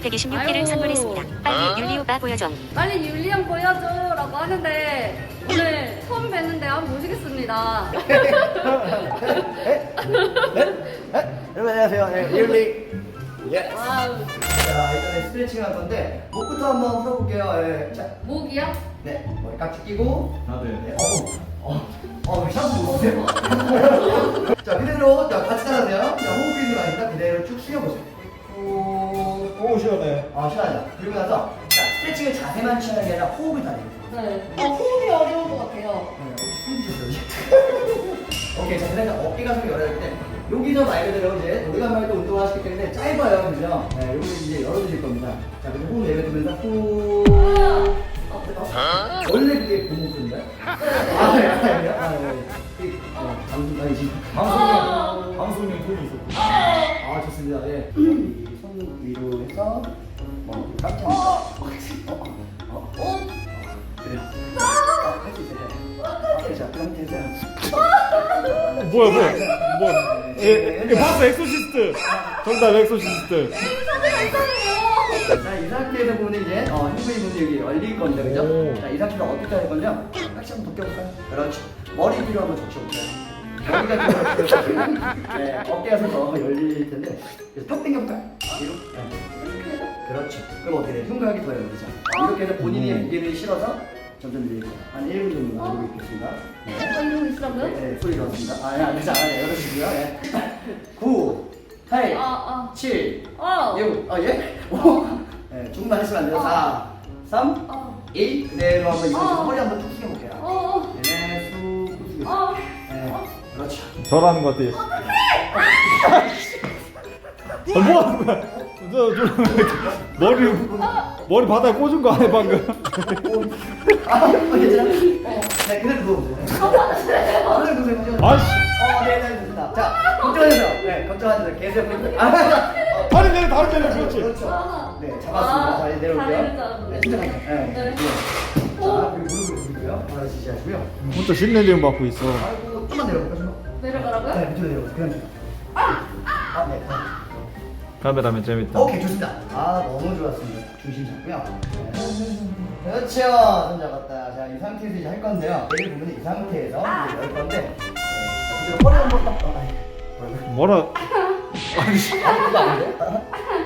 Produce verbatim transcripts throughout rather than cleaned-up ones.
백이십육 개를 선물했습니다. 빨리 율리 오빠 보여줘. 빨리 율리 형 보여줘라고 하는데 오늘 처음 뵀는데 한번 모시겠습니다. 여러분 안녕하세요. 네, 율리. 예. 와우. 자, 일단 스트레칭 할 건데 목부터 한번 풀어볼게요. 예. 자, 목이요? 네, 머리 깍지 끼고. 아, 네. 네. 어, 어, 어, 샴푸 보세요. 자, 그대로 자 같이 따라하세요. 자, 호흡 있는 거 아닙니다. 그대로 쭉 숙여보세요. 오, 오, 시원해. 아, 시원하죠. 그리고 나서 자, 스트레칭을 자세만 취하는 게 아니라 호흡을 다 해요. 네. 어, 호흡이 어려운 것 같아요. 오케이, 자, 그다음에 어깨가 좀 열어질 때 여기서 말 그대로 이제 오래간만에 또 운동을 하시기 때문에 짧아요, 그죠? 네, 여기 이제 열어주실 겁니다. 자, 그래서 호흡 내뱉으면서 후. 어, 어? 원래 그게 고무줄인가요? 아, 네, 아니에요? 아, 네. 이, 어, 방송 아니지? 방송용, 방송용 톤이 있었고. 아, 좋습니다. 예. 손 위로 해서 뭐 깜짝. 어, 어, 어, 어. 그래. 할 수 있어요. 자, 그럼 되세요. 뭐야, 뭐야, 뭐야. 예, 예, 봤어, 엑소시스트. 정답, 엑소시스트. 자, 이 상태에서 보면 이제 어, 흉부의 문이 여기 열릴 겁니다, 그죠? 오. 자, 이 상태에서 어떻게 할 건요? 같이 한번 벗겨볼까요? 그렇지. 머리 뒤로 한번 적셔볼까요? 머리가 뒤로 네, 어깨가 더 열릴 텐데 그래서 턱 당겨볼까요? 뒤로? 네. 그렇죠. 그럼 어떻게 돼요? 흉곽이 더 열리죠? 이렇게 해서 본인이 무게를 실어서 점점 늘릴 거예요. 한 일 분 정도 나오고 있겠습니다. 네. 어, 이러고 있으라고요? 네, 네, 소리 나왔습니다. 아, 예, 안 되죠. 아, 네, 열어주시고요. 네. 구, 팔, 아, 칠, 아. 어. 육, 아, 예? 오. 네, 조금만 하시면 안 돼요. 사, 삼, 어. 일. 그대로 한번 일어서서 어. 허리 한번 쭉 숙여볼게요. 어. 네, 쑥, 쑥 숙여. 어. 네, 그렇죠. 저라는 것 같아. 어, 뭐 하는 거야? 저, 저, 머리, 머리 바닥에 꽂은 거 아니야, 방금? 아, 어, 괜찮아? 어, 네, 그대로 누워보세요. 아, 그대로 누우세요. 아이씨. 어, 네, 네, 좋습니다. 자, 걱정하세요. 네, 걱정하지 마세요. 계속 보니까. 아, 어, 다리 내려, 다리 내려, 그렇지. 그렇죠. 아. 네, 잡았습니다. 자, 이제 내려올게요. 다리를 잡았네. 네, 진짜 갈게요. 네. 네. 네. 자, 그리고 무릎을 굽고요. 바로 지지하시고요. 혼자 신내림 받고 있어. 아이고, 좀만 내려볼까요, 좀만? 내려가라고요? 네, 밑으로 내려보세요. 그냥 좀. 아, 네. 아. 카메라면 재밌다. 오케이, 좋습니다. 아, 너무 좋았습니다. 중심 잡고요. 네. 그렇죠. 손 잡았다. 자, 이 상태에서 이제 할 건데요. 얘를 보면 이 상태에서 이제 열 건데, 네. 자, 그대로 허리 한번 딱. 아, 아이, 뭐라고요? 뭐라? 아니, 아, 그거 안 돼?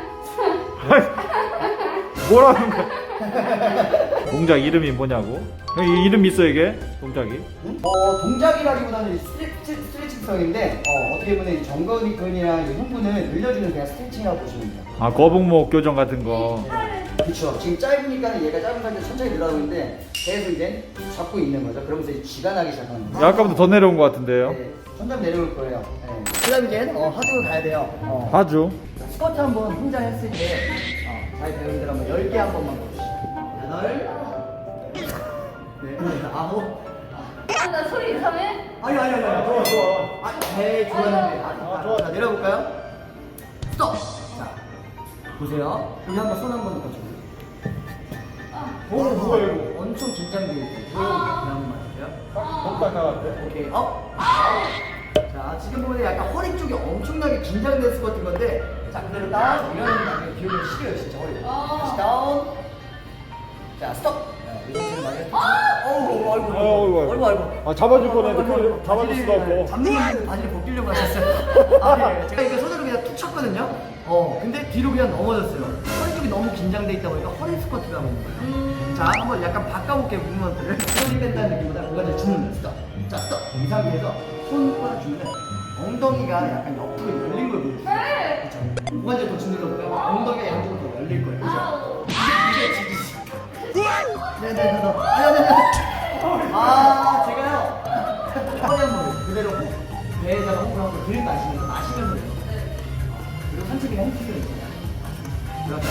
뭐라는 거야? 동작 이름이 뭐냐고? 형, 이 이름 있어, 이게? 동작이? 어, 동작이라기보다는 스트레치, 스트레칭성인데 어, 어떻게 보면 이 정근근이랑 이 흉부는 늘려주는 그냥 스트레칭이라고 보시면 돼요. 아, 거북목 교정 같은 거. 그렇죠. 지금 짧으니까 얘가 짧은 상태 천천히 늘어나고 있는데 계속 이제 잡고 있는 거죠. 그러면서 이제 쥐가 나기 시작하는 거예요. 야, 아까보다 더 내려온 것 같은데요? 네, 점점 내려올 거예요. 네. 그 다음에 이제 어, 하중을 가야 돼요. 어. 하죠. 스쿼트 한번 혼자 했을 때 어, 잘 배우는 대로 한번 열 개 한 번만 보시죠. 여덟, 네, 아홉. 아, 나 소리 이상해? 아니 아니 아니 아니 좋아 좋아 아, 네 좋아하는데 아, 아, 아, 좋아. 자 내려볼까요? 스톱 자 보세요 여기 한번 손 한 번 더 거쳐보세요 오, 뭐야, 이거? 엄청 긴장되어 있어요 그냥 한번 맞으세요 덕딱 나갔대. 오케이 업 자 지금 보면 약간 허리 쪽이 엄청나게 긴장된 스쿼트인 건데 자 그대로 딱 일어나는 다음에 기울여 시려요 진짜 허리 다시 다운 자 스톱 이런 식으로 많이 어우 아이고 아이고, 아이고 아이고 아, 잡아줄 뻔했는데 그걸 잡아줄 수도 없고. 잡는 건데 바지를 벗기려고 하셨어요. 아, 예. 제가 이거 손으로 그냥 툭 쳤거든요. 어, 근데 뒤로 그냥 넘어졌어요. 허리 쪽이 너무 긴장돼 있다 보니까 허리 스쿼트를 하고 있는 거예요. 음. 자, 한번 약간 바꿔볼게요, 무브먼트를. 손이 뺀다는 느낌보다 고관절 주는 거예요. 스톱. 자, 스톱. 이 상태에서 손바닥 주면 엉덩이가 약간 옆으로 열린 걸 보여주세요. 네. 그렇죠. 고관절 더 주는 거고요. 엉덩이가 양쪽으로 더 열릴 거예요. 그죠? 아우. 이게 지지지. 네네네. 아니, 아니, 아니. 아, 제가요. 허리 한번 그대로 배에다가 호흡을 한번 들이 마시면서 마시면서 내요. 그리고 한쪽에 햄스트링 있잖아요. 그렇죠.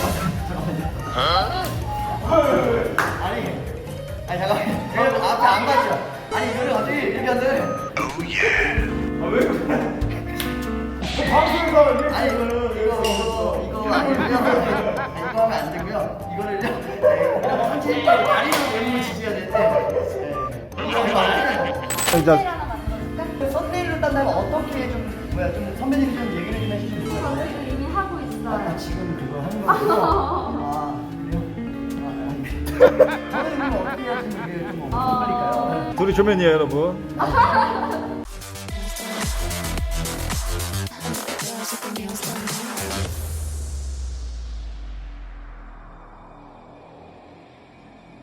잠깐만요. 아니, 아니 잠깐만요. 여러분 앞에 안 가죠. 아니 이거를 어떻게 이렇게 하는? 아, 왜 그래? 방송에서 하면 이렇게 아니 하면은 이거 이거 이거 아니고요. 아니, 이거 하면 안 되고요. 이거를요. 네, 천천히 다리로 내리면 지지해야 되는데. 네. 이거 이거 안 돼요. 진짜 하나 만들어줄까? 썸네일로 딴다면 어떻게 좀 뭐야 좀 선배님이 좀 얘기를 좀 해주시면 좋을 것 저 같아요. 지금 이미 하고 있어요. 아, 지금 그거 하는 거고요. 아, 그래요? 아, 아니. 저는 그럼 어떻게 해야지 이게 좀 어떨까요? 둘이 조면이에요, 여러분.